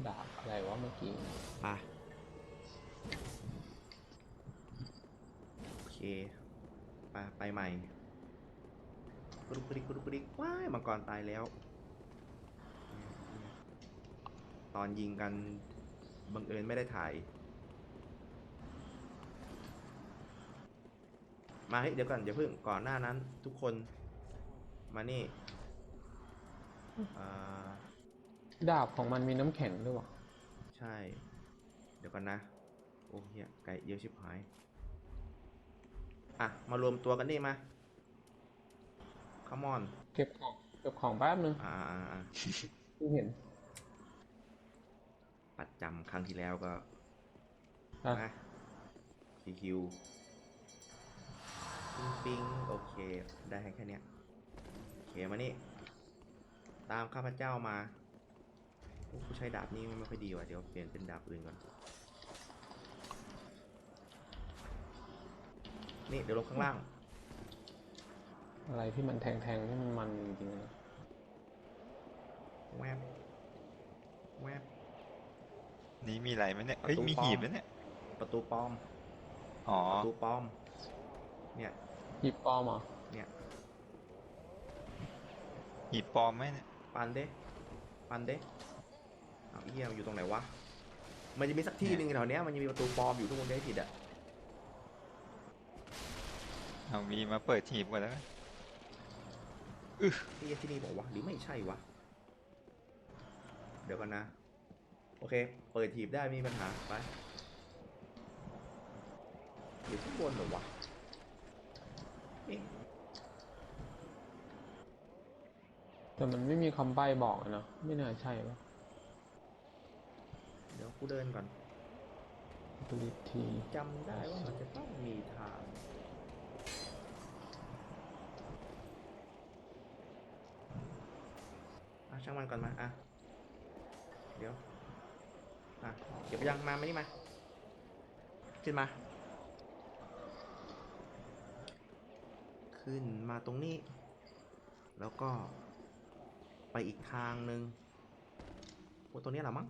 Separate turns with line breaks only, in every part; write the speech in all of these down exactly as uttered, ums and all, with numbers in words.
ดาบอะไรวะเมื่อกี้
ไปโอเคไปไปใหม่กรุกกริกกรุกกริกว้ายมังกรตายแล้วตอนยิงกันบังเอิญไม่ได้ถ่ายมาเฮ้ยเดี๋ยวก่อนอย่าเพิ่งก่อนหน้านั้นทุกคนมานี่
ดาบของมันมีน้ำแข็งด้วยวะ
ใช่เดี๋ยวก่อนนะโอ้เหี้ยไก่เยอะชิบหายอ่ะมารวมตัวกันนี่มาคัมออน
เก็บของเก็บของแป๊บนึง
อ่าอ่าอ่า
เพิ่งเห็น
ปัดจำครั้งที่แล้วก็นะคิวคิวปิงปิงโอเคได้แค่เนี้ยโอเคมานี่ตามข้าพเจ้ามาผู้ใช้ดาบนี้ไม่ค่อยดีว่ะเดี๋ยวเปลี่ยนเป็นดาบอื่นก่อนนี่เดี๋ยวลงข้างล่าง
อะไรที่มันแทงๆที่มันมันจริงๆนะ
แวบแวบ
นี่มีอะไรไหมเนี่ยเอ้ยมีหีบแล้วเนี่ย
ประตูปลอม
อ๋อ
ประตูปลอมเนี่ย
หีบปลอมเหรอ
เนี่ย
หีบปลอมไหมเนี่ย
ปันเด้ปันเด้เอาเอี้ยอยู่ตรงไหนวะมันจะมีสักที่หนึ่งแถวเนี้ยมันจะมีประตูปลอมอยู่ทุกคนได้ผิดอ่ะ
เอามีมาเปิดหีบก่อนแล้ว
อือที่ที่นี่บอกว่าหรือไม่ใช่วะเดี๋ยวกันนะโอเคเปิดหีบได้มีปัญหาไปอยู่ข้างบนเหรอวะ
แต่มันไม่มีคำใบ้บอกนะไม่น่าใช่ปะ
เดี๋ยวกูเดินก่อน
ดูอีกที
จำได้ว่ามันจะต้องมีทางอ่ะช่างมันก่อนมาอ่ะเดี๋ยวอ่ะเก็บไปยังมาไม่นี่มาขึ้นมาขึ้นมาตรงนี้แล้วก็ไปอีกทางหนึ่งโอ้ตัวนี้แหละมั้ง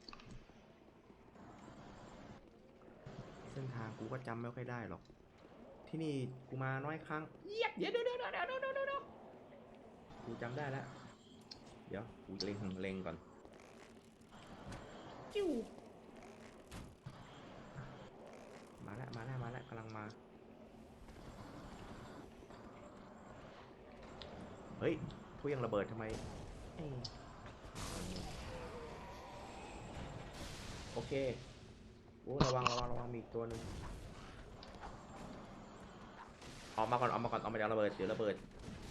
เส้นทางกูก็จำไม่ค่อยได้หรอกที่นี่กูมาน้อยครั้งเยียบเดี๋ยวเดี๋ยวเดี๋ยวเดี๋ยวเดี๋ยวเดี๋ยวกูจำได้แล้วเดี๋ยวกูเล็งเล็งก่อนจิ้วมาแล้วมาแล้วมาแล้วกำลังมาเฮ้ยทุยังระเบิดทำไมโอเคโอ้ระวังระวังระวังมีอีกตัวหนึ่งออกมาก่อนออกมาก่อนออกมาจากระเบิดเดี๋ยวระเบิด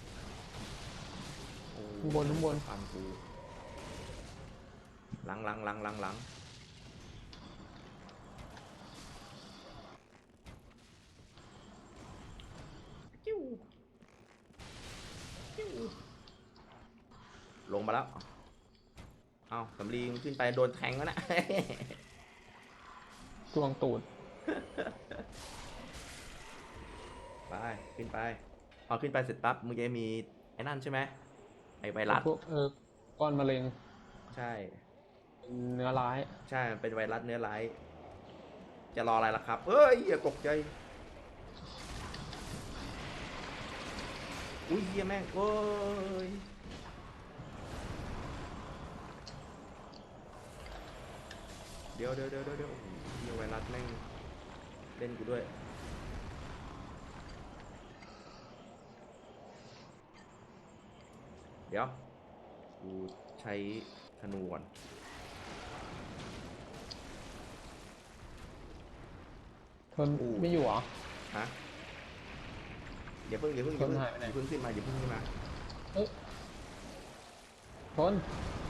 ข้างบนข้างบน
ฟันกูหลังหลังหลังหลังหลังจิ้วจิ้วลงมาแล้วเอาสำลีมันขึ้นไปโดนแทงแล้วนะ
ตวงตูด
ไปขึ้นไปพอขึ้นไปเสร็จปั๊บมึงจะมีไอ้นั่นใช่ไหมไอ้ไวรัส
พวกเออก้อนมะเร็ง
ใช่
เนื้อร้าย
ใช่เป็นไวรัสเนื้อร้ายจะรออะไรล่ะครับเอ้ยอย่าตกใจอุ้ยเฮียแม่งเอ้ยเดี๋ยวเดี๋ยวเดี๋ยวเดี๋ยวเฮียไวรัสแม่งเล่นกูด้วยเดี๋ยวกูใช้ธนูก่อน
ทนไม่อยู่เหรอ
ฮะอย่าเพิ่งอย่าเพิ่งอย่าเพิ่งอย่าเพิ่งขึ้นมาอย่าเพิ่งขึ้นมา
เอ้ยทน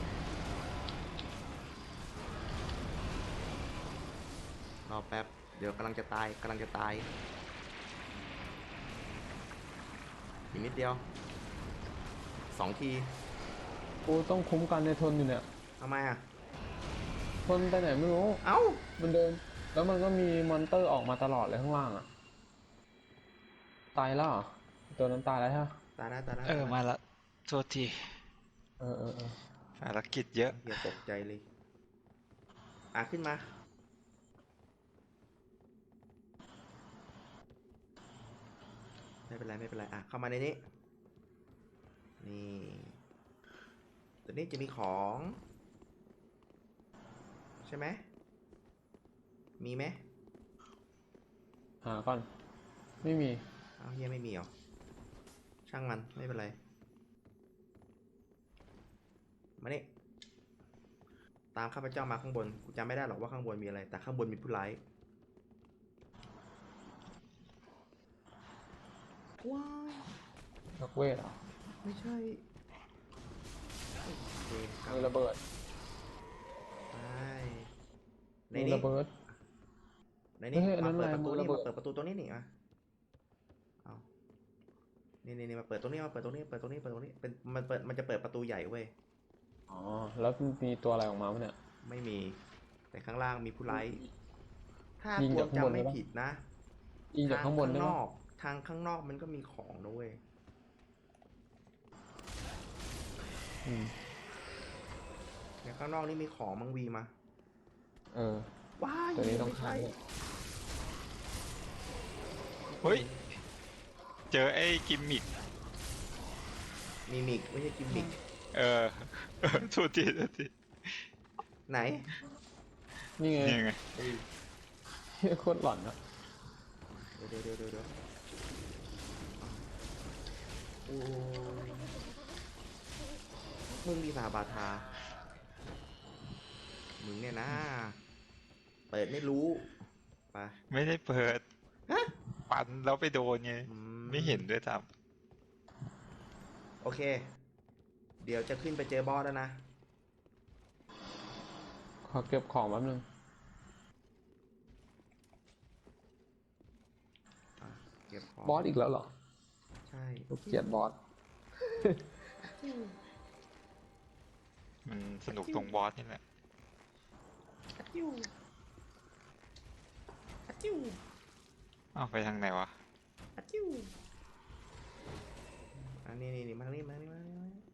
รอแป๊บเดี๋ยวกำลังจะตายกำลังจะตายอีกนิดเดียวสองที
กูต้องคุ้มกันในทนอยู่เนี่ย
ทำไมอ่ะ
ทนไปไหนไม่รู้
เอ้า
มันเดินแล้วมันก็มีมอนเตอร์ออกมาตลอดเลยข้างล่างอ่ะตายแล้วตัวนั้นตายแล้วใช่ไหม
ตายแล้วตายแล้ว
เออมาละโทษที
เออเออเออ
ภารกิจเยอะ
อย่าตกใจเลยอ่ะขึ้นมาไม่เป็นไรไม่เป็นไรอ่ะเข้ามาในนี้นี่ตัวนี้จะมีของใช่ไหมมีไหม
หาก่อน ไม่มี
เอาเฮียไม่มีเหรอช่างมันไม่เป็นไรมานี่ตามข้าพเจ้ามาข้างบนกูจำไม่ได้หรอกว่าข้างบนมีอะไรแต่ข้างบนมีผู้ร้ายว้าย
นักเวทเหรอ
ไม่ใช่โอเคกลับ
มีระเบิด
ไปใน
มี
นี้
ระเบิด
ในนี้
เฮ้ยอันนั้
มาน เปิดประตู
อะไร
นี่
ระเบิด
มาเปิดประตูตรงนี้นี่มาเอานี่นี่นี่มาเปิดตรงนี้มาเปิดตรงนี้เปิดตรงนี้เปิดตรงนี้เป็นมันเปิดมันจะเปิดประตูใหญ่เว้ย
อ๋อ แล้วมีตัวอะไรออกมาไหมเนี่ย
ไม่มีแต่ข้างล่างมีผู้ร้ายถ้า
ยิง
พว
จาก
ก
ข้างบน
จำไม่
ได้ปะ
ผิดนะ
ยิงจากข้างบนได้
ท
ไหม
นอกทางข้างนอกมันก็มีของนะเว้ย
อืม
เนี่ยข้างนอกนี่มีของมังวีมา
เออ
ว้าย
ตัวนี้ต้อง
ไม่
ฆ่า
ใช่
ด้วย
เฮ้ย เจอไอ้กิมมิก
มีมิกไม่ใช่กิมมิก
เออ โทษทีโทษที
ไหน
นี่ไง
นี่ไง
เฮ้ย
เหี้ยโคตรหลอนอะ
เดี๋ยวเดี๋ยวเดี๋ยวเดี๋ยวเดี๋ยวโอ้ยมึงมีสาบาทามึงเนี่ยนะ เปิดไม่รู้ไป
ไม่ได้เปิด
ฮะ
ปันแล้วไปโดนไง
อื
ไม่เห็นด้วยซ้
โอเค เดี๋ยวจะขึ้นไปเจอบอสแล้วนะ
ขอเก็บของแป๊บนึง
อ่ะเก็บของ
บอสอีกแล้วเหรอ
ใช่
ลูกเกลียดบอส
ำมันสนุกตรงบอสนี่แหละ
อะจิ้วอะจิ้ว
อ้าวไปทางไหนวะ
อะจิ้วอันนี้นี่นี่มานี่มานี่มานี่มานี่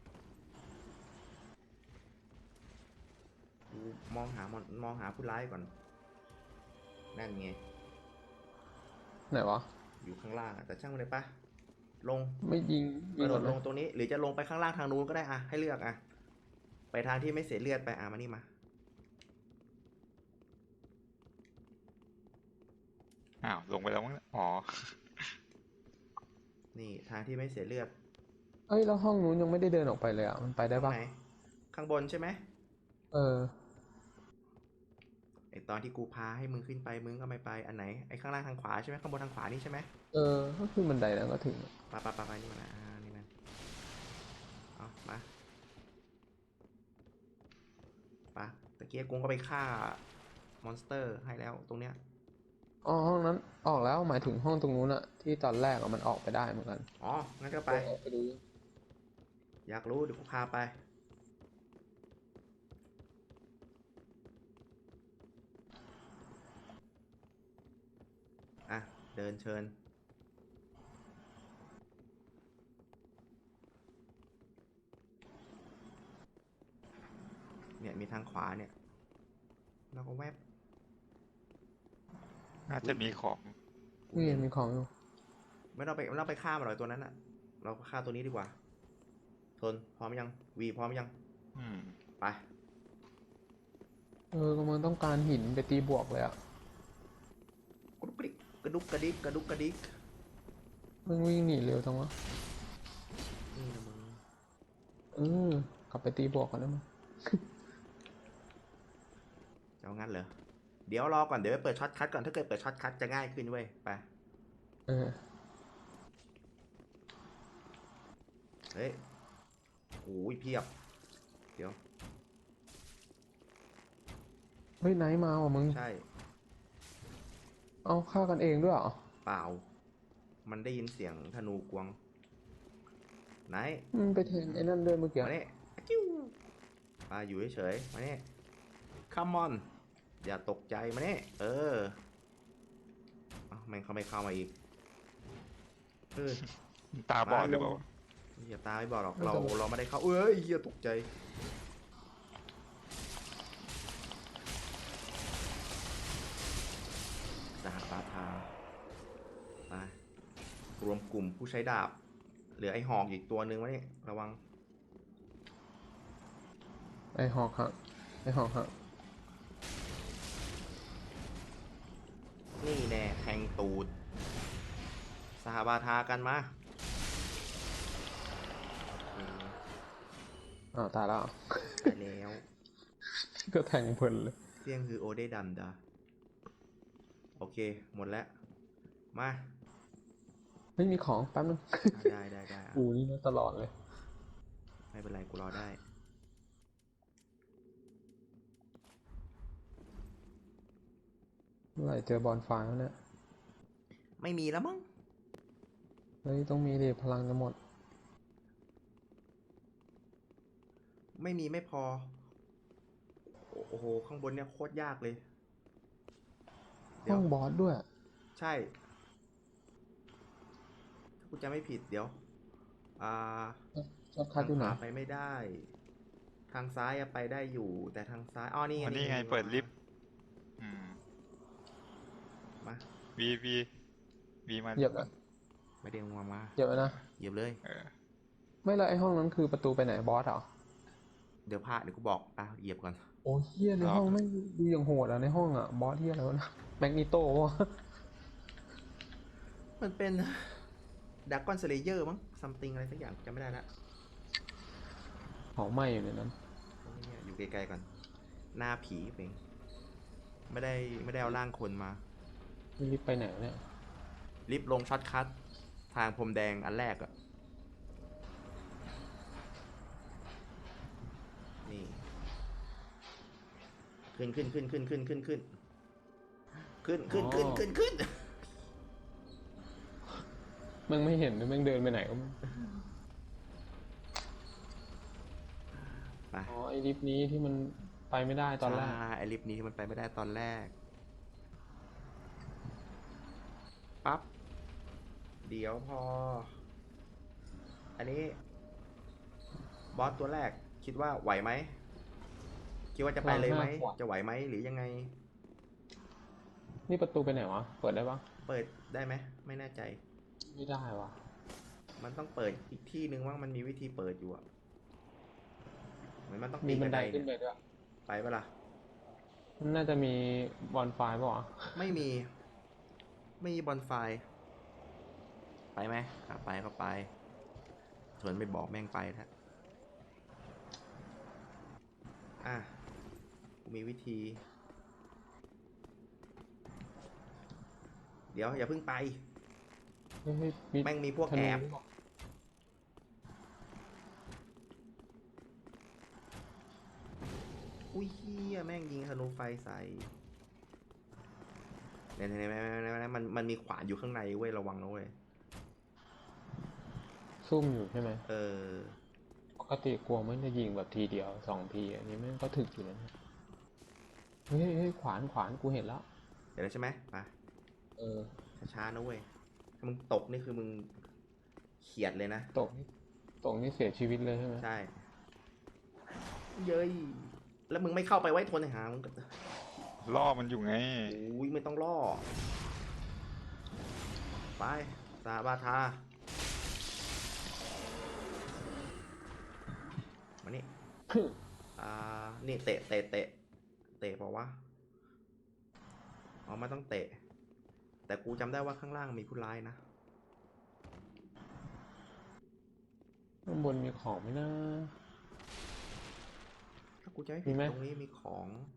กูมองหามอนมองหาผู้ร้ายก่อน นั่นไง
ไหนวะ
อยู่ข้างล่างอะแต่ช่างมันเลยปะลง
ไม่ยิง
ก
ยิง
ระโด
ก่อ
ด
น
ล
นะ
งตรงนี้ หรือจะลงไปข้างล่างทางนู้นก็ได้อะให้เลือกอะไปทางที่ไม่เสียเลือดไปอะมานี่มา
อ้าว ลงไปแล้วมั้งเนี่ยอ๋อ
นี่ทางที่ไม่เสียเลือด
เอ้ย แล้วห้องนู้นยังไม่ได้เดินออกไปเลยอ่ะ มันไปได้
ตร
ปะ
งไหนข้างบนใช่ไหม
เออ
ไอตอนที่กูพาให้มึงขึ้นไปมึงก็ไม่ไปอันไหนไอข้างล่างทางขวาใช่ไหมข้างบนทางขวานี่ใช่ไหม
เออ ก็ขึ้นบันไดแล้วก็ถึง
ไปไปไปไปนี่มันนะอ่านี่มันเอามาไปตะเกียกกุ้งก็ไปฆ่ามอนสเตอร์ให้แล้วตรงเนี้ย
อ๋อ ห้องนั้นออกแล้ว หมายถึงห้องตรงนู้นอะที่ตอนแรกอะมันออกไปได้เหมือนกัน
อ๋องั้นก็ไป
ออกไปดู
อยากรู้เดี๋ยวกูพาไปอ่ะเดินเชิญเนี่ยมีทางขวาเนี่ยแล้วก็แวบ
น่าจะมีของ
นี่มีของอยู่
ไม่ต้องไปไม่ต้องไปฆ่ามันหรอกตัวนั้นอะเราฆ่าตัวนี้ดีกว่าทนพร้อมยังวีพร้อมยัง
อืม
ไป
เออกำลังต้องการหินไปตีบวกเลยอะ
กระดุกกระดิกกระดุกกระดิกกระดุกกระดิก
มึงวิ่งหนีเร็วจังวะ
นี่นะมึง
เออกลับไปตีบวกก่อนได้ไหมย
จะเอางั้นเหรอเดี๋ยวรอก่อนเดี๋ยวไปเปิดช็อตคัทก่อนถ้าเกิดเปิดช็อตคัทจะง่ายขึ้นเว้ยไป
เออ
เฮ้ยโอ้ยเพียบเดี๋ยว
เฮ้ยไนท์มาว่ะมึง
ใช่
เอาฆ่ากันเองด้วยเหรอ
เปล่า มันได้ยินเสียงธนูกวงไหน
มันไปแทงไอ้นั่นด้วยเมื่อกี้
มาเนี่ยจิ้วมาอยู่เฉยๆมาเนี่ย come on อย่าตกใจมาเนี่ยเออเอ้าแม่งเขาไม่เข้ามาอีกเออ
ตาบอดหรือเปล่า
อย่าตาไม่บอกหรอกเราเราไม่ได้เข้าเอ้ยเฮียตกใจรวมกลุ่มผู้ใช้ดาบเหลือไอ้หอกอีกตัวนึงวะเนี่ยระวัง
ไอหอกฮะไอหอกฮะ
นี่แน่แทงตูดสหบาทากันมาโอเค
อ้าวตายแล้ว
ตายแล้ว
ก็แทงเพลินเลย
เสี่ยงคือโอเดดันดาโอเค หมดแล้ว มา
ไม่มีของแป๊บนึง
อ่ะได้ได้ได้อ่ะ
กูนี่นะตลอดเลย
ไม่เป็นไร กูรอได้
เมื่อไหร่เจอบอลไฟแล้วเนี่ย
ไม่มีแล้วมั้ง
เฮ้ยต้องมีดิพลังจะหมด
ไม่มีไม่พอ โอ้โห ข้างบนเนี่ยโคตรยากเลย เดี๋
ห้
ย
อ
ว
งบอสด้วย
ใช่ ถ้ากูจะไม่ผิดเดี๋ยว อ่า
ชอบคั
ทา
ด
ง
อยู่ไหน
ขวาไปไม่ได้ ทางซ้ายอะไปได้อยู่ แต่ทางซ้าย อ๋อ นี่ไง
อ๋อนี่ไง
นี่
เปิดลิฟต์ อืม
มา
วีวีวีมา
เหยียบนะ
ไม่ได้งวงมา
เหยียบไปนะ
เหยียบเลย
เออ
ไม่และไอห้องนั้นคือประตูไปไหนบอสเหรอ
เดี๋ยวพาเดี๋ยวกูบอก อ่ะ เหยียบก่อน
โอ้เฮียในห้องไม่งดูอย่างโหดอ่ะในห้องอ่ะบอสเฮียอะไรวะนะแมกนิโตวะ
มันเป็นดักกอนสเลเยอร์มั้งซัมติงอะไรสักอย่างจำไม่ได้ละ
เผาไหม้อยู่ในนั้น
เนี่ยอยู่ไกลๆก่อน หน้าผีเองไม่ได้ไม่ได้เอาร่างคนมา
นี่รีบไปไหนวะเนี่ย
รีบลงช็อตคัททางพรมแดงอันแรกอะนี่ขึ้นขึ้นขึ้นขึ้นขึ้นขึ้นขึ้นขึ้นขึ้นขึ้นขึ้นขึ้น
มึงไม่เห็นหรือมึงเดินไปไหนก็ไม่
ไป
อ๋อไอลิฟต์นี้ที่มันไปไม่ได้ตอนแรก
ใช่ไอลิฟต์นี้ที่มันไปไม่ได้ตอนแรก ปั๊บ เดี๋ยวพอ อันนี้ บอสตัวแรกคิดว่าไหวไหม คิดว่าจะไปเลยไหม จะไหวไหมหรือยังไง
นี่ประตูไปไหนวะ เปิดได้ปะ
เปิดได้ไหม ไม่แน่ใจ
ไม่ได้วะ
มันต้องเปิดอีกที่นึงว่ามันมีวิธีเปิดอยู่อะเหมือนมันต้อง
มี
ปีน
บั
บั
น
น
ได
ได
ขึ้น
เนี่ย
ไปด้วย
ไปปะล่ะ
มันน่าจะมีบอลไฟป่ะวะ
ไม่มี ไม่มีบอลไฟ ไปไหมอ่ะไปก็ไปส่วนไม่บอกแม่งไปแท้อ่ะกูมีวิธี เดี๋ยวอย่าเพิ่งไป
เฮ้ยเฮ้ย
แม่งมีพวก
ธ
แอ
นู
บ
หรือเปล่า
อุ้ยเฮียแม่งยิงธนูไฟใส่เนี่ยเนี่ยเนี่ยมันมันมีขวานอยู่ข้างในเว้ยระวังนะเว้ย
ซุ่มอยู่ใช่ไหม
เออ
ปกติกลัวมันจะยิงแบบทีเดียวสองทีอันนี้แม่งก็ถึกอยู่แล้วนะเฮ้ยเฮ้ยขวานขวานกูเห็นแล้ว
เดี๋ยวแล้วใช่ไหมไป
เออ
ช้าๆนะเว้ย ถ้ามึงตกนี่คือมึงเขียดเลยนะ
ตกนี่ตกนี่เสียชีวิตเลยใช่ไหม
ใช่ เย้ย แล้วมึงไม่เข้าไปไว้ทนหามึงก็
ล่อมันอยู่ไง
อุ้ยไม่ต้องล่อ ไปสาบาทา มานี่ อ่า นี่เตะเตะเตะเตะเปล่าวะอ๋อไม่ต้องเตะ แต่กูจำได้ว่าข้างล่างมีผู้ร้ายนะ
ข้างบนมีของไหมนะ
ถ้ากูจะไม่
มี
ผิด
ไหม
ตรงนี้มีของ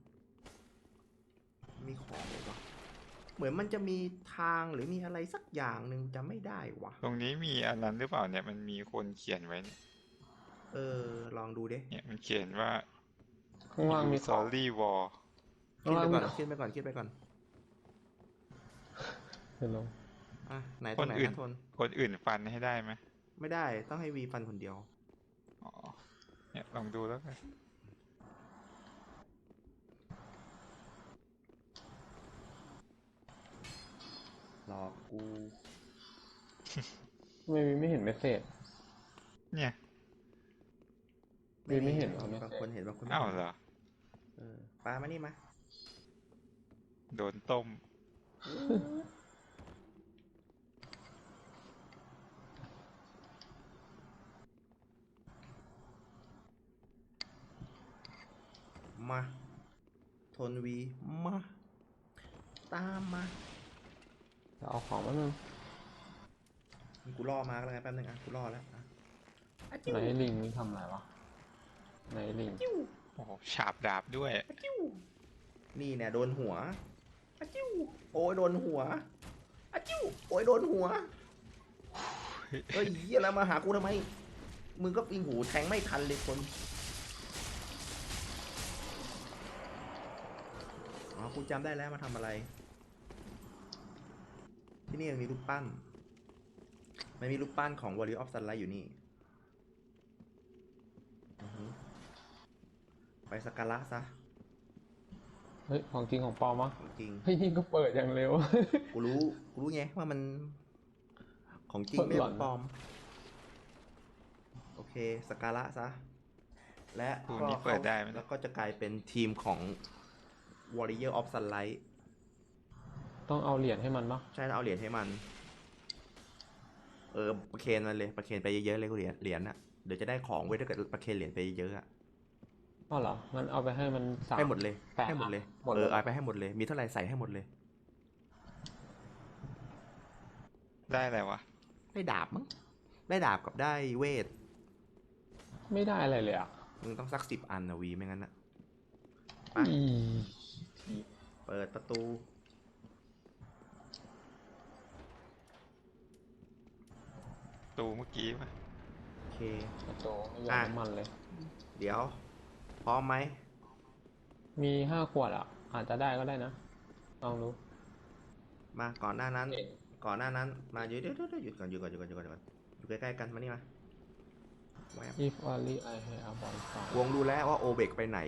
มีของเลยวะเหมือนมันจะมีทางหรือมีอะไรสักอย่างหนึ่งจำไม่ได้วะ
ตรงนี้มีอันนั้นหรือเปล่าเนี่ย มันมีคนเขียนไว้เนี่ย
เออ ลองดูดิ
เนี่ยมันเขียนว่า
ข้างล่างมี
You
ของ
sorry war
ข้าง
ขึ้น
ล่าง
ไป
มี
ก่อนขึ้นไปก่อนขึ้นไปก่อน
เห็นลง
อ่ะไหนตัวไหน
คนอื่น
นะทน
คนอื่นฟันให้ได้ไหม
ไม่ได้ต้องให้วีฟันคนเดียว
อ๋อ เนี่ยลองดูแล้วกัน
หลอกกู
ทำไมวีไม่เห็นเมสเซจ
เนี่ย
วีไม่เห็นเหรอ
มี
เมส
บาง
เซ
คน
จ
เห็นบางคนไม่
อ้าว
เห็น
เหรอ
เออปลามานี่มา
โดนต้ม
มาทนวีมาตามมา
จะเอาของมาหนึ่ง
กูล่อมาแล้วไงแป๊บนึงอ่ะกูล่อแล้วอ่ะอะจิ้ว
ไหนลิงนี่ทำอะไรวะไหนลิง
จิ้ว
โอ้โหฉาบดาบด้วย
อะจิ้วนี่เนี่ยโดนหัวอะจิ้วโอ้ยโดนหัวอะจิ้วโอ้ยโดนหัวเฮ้ยเหี้ยแล้วมาหากูทำไมมึงก็ปิงหูแทงไม่ทันเลยคนอ๋อกูจำได้แล้วมาทำอะไร ที่นี่มันมีรูปปั้นมันมีรูปปั้นของ Warrior of Sunlight อยู่นี่อือฮึไปสักการะซะ
เฮ้ยของจริงของปลอมวะ
จริง
เฮ้ยนี่ก็เปิดอย่างเร็ว
กูรู้ กูรู้ไงว่ามันของจริงไม่
หล่อน
ปลอม โอเคสักการะซะ และ
ตัว
ก็
นี้เปิดได้ไหม
แล้วก็จะกลายเป็นทีมของ Warrior of Sunlight
ต้องเอาเหรียญให้มันปะ
ใช่แล้วเอาเหรียญให้มัน เออประเคนมันเลยประเคนไปเยอะๆเลยกูเหรียญเหรียญน่ะเดี๋ยวจะได้ของเว้ยถ้าเกิดประเคนเหรียญไปเยอะๆอะ
อ๋อเหรองั้นเอาไปให้มันสาม
ให้หมดเลย
แปะ
ให้หมดเลย
หมด
เอ
เลย
อเอาไปให้หมดเลย มีเท่าไหร่ใส่ให้หมดเลย
ได้อะไรวะ
ได้ดาบมั้ง ได้ดาบกับได้เวท
ไม่ได้อะไรเลยอ่ะ
มึงต้องสักสิบอันนะวีไม่งั้นนะ ไป
อี
เปิดประตู
ตูเมื่อกี้ปะ
โอเค
กระโจไม่ยอมน้ำมันเลย
เดี๋ยว พร้อมไหม
มีห้าขวดอ่ะ อาจจะได้ก็ได้นะ ลองดู
มาก่อนหน้านั้น
เอ๊ะ
ก่อนหน้านั้น มาเดี๋ยวเดี๋ยวเดี๋ยวหยุดก่อนหยุดก่อนหยุดก่อนหยุดก่อนหยุดก่อนอยู่ใกล้ๆกันมานี่มาแวบ
if only I had a bonfire
วงดูแล้วว่าโอเบกไปไหน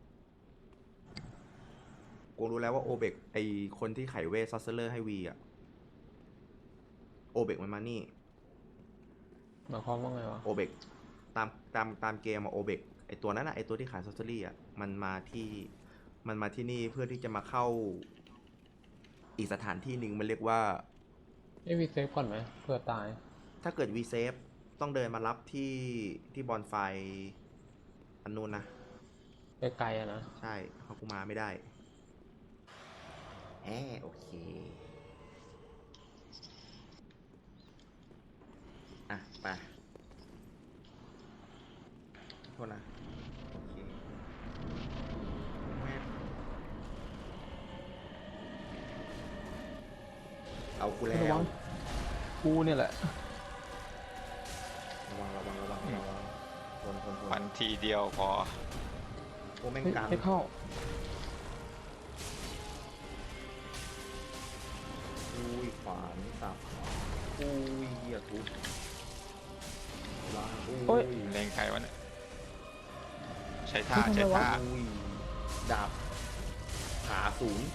วงดูแล้วว่าโอเบกไอคนที่ไขเวทซอสเซอร์ให้วีอะโอเบกมันมานี่
หมายความว่าไงวะ
โอเบกตามตามตามเกมอะโอเบกไอตัวนั้นอะไอตัวที่ขายซอสเซอรี่อะมันมาที่มันมาที่นี่เพื่อที่จะมาเข้าอีกสถานที่หนึ่งมันเรียกว่า
เอ้ยวีเซฟก่อนไหมเผื่อตาย
ถ้าเกิดวีเซฟต้องเดินมารับที่ที่บอลไฟอันนู้นนะ
ไกลๆอะนะ
ใช่เพราะกูมาไม่ได้แหมโอเค อ่ะ ไปโทษนะ โอเคแว๊บเอากูแล้ว
ระวัง กูเนี่ยแหละ
ระวังระวังระวังระวังทนทนท
ฟั
น
นทีเดียวพอ
โอ้แม่ง
เฮ้ย
กัน
ให้เข้า
อุ้ยขวานสับอุ้ยเหี้ยทุบวาง
โอ้
อุ้
ย
ย
เลงใครวะเนี่ย ใช้ท่า
เฮ้ยทำไม
ใช้
วะ
ท่า
อุ้ยดาบขาสูง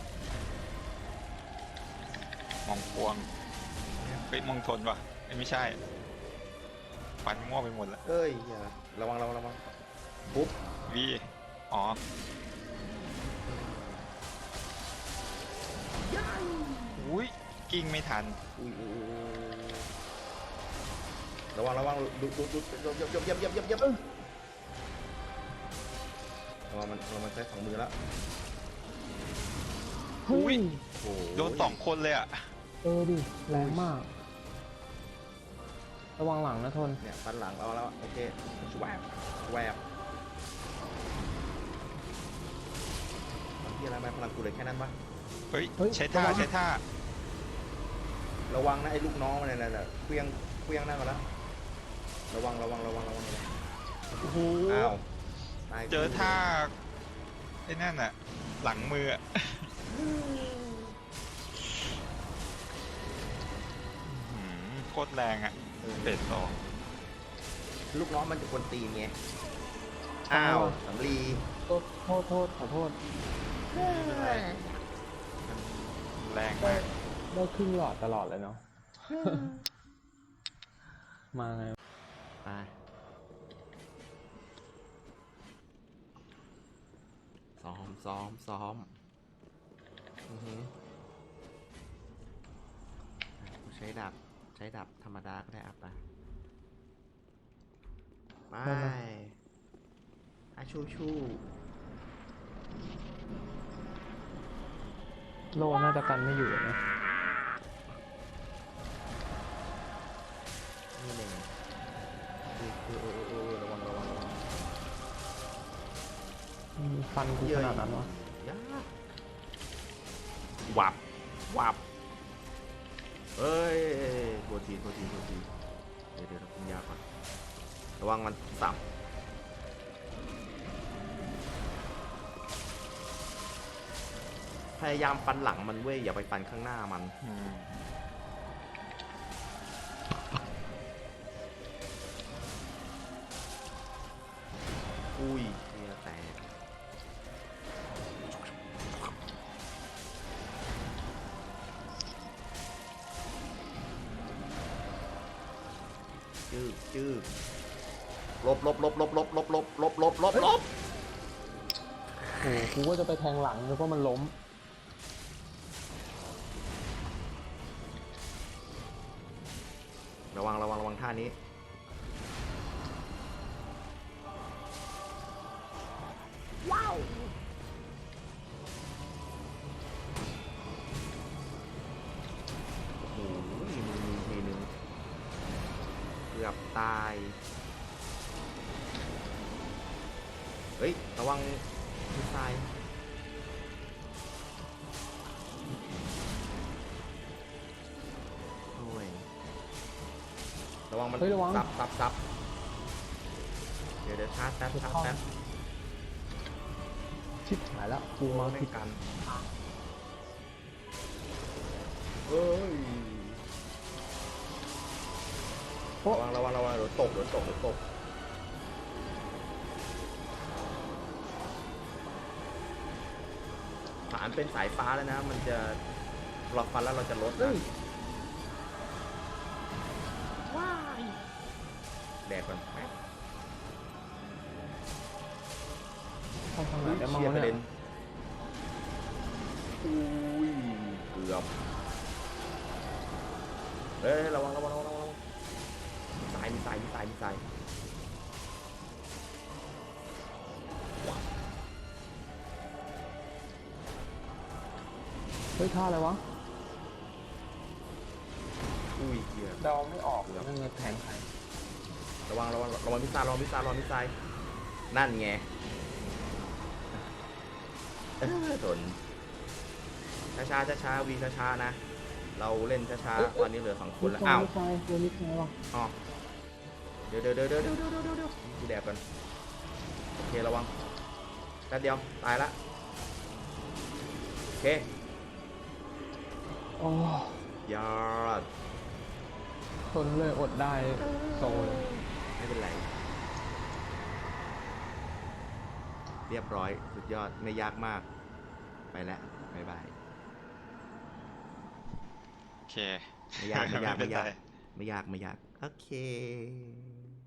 มองพวงเฮ้ยมองทนวะเอ้ยไม่ใช่ ฟันมั่วไปหมดละ
เอ้ยอย่าระวังระวังระวังปุ๊บ
วีอ๋อ อุ้ยกิ้งไม่ทัน
อุ้ยอุ้ยอุ้ยระวังระวังดูดูดูดูยับยับยับยับยับยับระวังมันระวังมันใช้สองมือแล้ว
เฮ้
อุ๊
ย
ย
โอ้โห
โดนสองคนเลยอ่ะ
เออดิ แรงมาก ระวังหลังนะทน
เนี่ยฟันหลังเราแล้วโอเคชวบชวบที่อะไรไหมพลังกูเลยแค่นั้นปะ
เฮ้ย
เฮ้ย
ใช้ท่า
ระวัง
ใช้ท่า
ระวังนะไอ้ลูกน้องมันเนี่ยนะเคลี้ยงเคลี้ยงหน้ามาแล้วระวังระวังระวังระวังระวัง
โอ้โห
อ้าวตย
เจอท่าไอ้นั่นอะหลังมืออะอื้อหือโคตรแรงอะเฟสสอง
ลูกน้องมันจะกวนตีนไงอ้าวสำลี
โทษโทษโทษขอโทษ
แรง
ได้
มาก
ได้ครึ่งหลอดตลอดเลยเนาะ มาไง
ไปซ้อมซ้อมซ้อมอือหือกูใช้ดาบใช้ดาบธรรมดาก็ได้อ่ะไปไป
ได้ไหม
อาชูชู
โลน่าจะกันไม่อยู่นะ
นี่หนึ่งเออเออเออเออระวังระวังระวัง
อืมฟันกูขนาดนั้นวะ
ยากวับวับเอ้ยโทษทีโทษทีโทษทีเดี๋ยวเดี๋ยวคุณยากก่อนระวังมันสับพยายามฟันหลังมันเว้ยอย่าไปฟันข้างหน้ามัน
อืม
อุ้ยเฮียแตกจืดจืดลบลบลบลบลบลบลบลบลบลบลบ
โอ้โหกูก็จะไปแทงหลังนึกว่ามันล้ม
ระวังระวังระวังท่านี้ว้าวโอ้โหมีมือมีทีนึงเกือบตายเฮ้ยระวังมือตายโอ้ยระวังมัน
เฮ้ยระวัง
ซับซับซับเดี๋ยวเดี๋ยวชาร์จแป๊บชาร์จแป๊บ
ชิบหายแล้วกูมา
ไม่
ผิด
กันเฮ้ย
โอ้
ระวังระวังระวังเดี๋ยวตกเดี๋ยวตกเดี๋ยวตกฐานเป็นสายฟ้าแล้วนะ มันจะเราฟันแล้วเราจะลดนะว้ายแดกก่อนแป๊บ
เข้าทางไหน
อุ้ย
ได้มั่ง
เชียร์
วะ
กระ
เนี่
เด็
ย
นอุ้ยเกือบเฮ้ยระวังระวังระวังระวังมีสายมีสายมีสายมีสาย
เฮ้ยท่าอะไรวะ
อุ้ยเกียร์
เดาไม่ออกเลยไม่เงินแทงใคร
ระวังระวังระวังพิซซ่าระวังพิซซ่าระวังพิซซ่านั่นไงเออทนช้าช้าช้าช้าๆวีช้าช้าๆนะ เราเล่นช้าช้าๆตอนนี้เหลือสองคนแล้วอ้าว
มิดไฟตัวมิดไฟวะ
อ๋อเดี๋ยวเดี๋ยวเดี๋ยวเดี๋ยวเดี๋ยวเดี๋ยวเดี๋ยวเดี๋ยวกูแดกก่อนโอเคระวังแป๊บเดียวตายละโอเค
โอ้
ยอด
ทนเลยอดได้โซเลย
ไม่เป็นไร เรียบร้อยสุดยอดไม่ยากมาก ไปแล้วบ๊ายบาย
โอเค
ไม่ยากไม่ยาก
เป็
ไม่
น
ยาก
ไร
ไม่ยากไม่ยากโอเค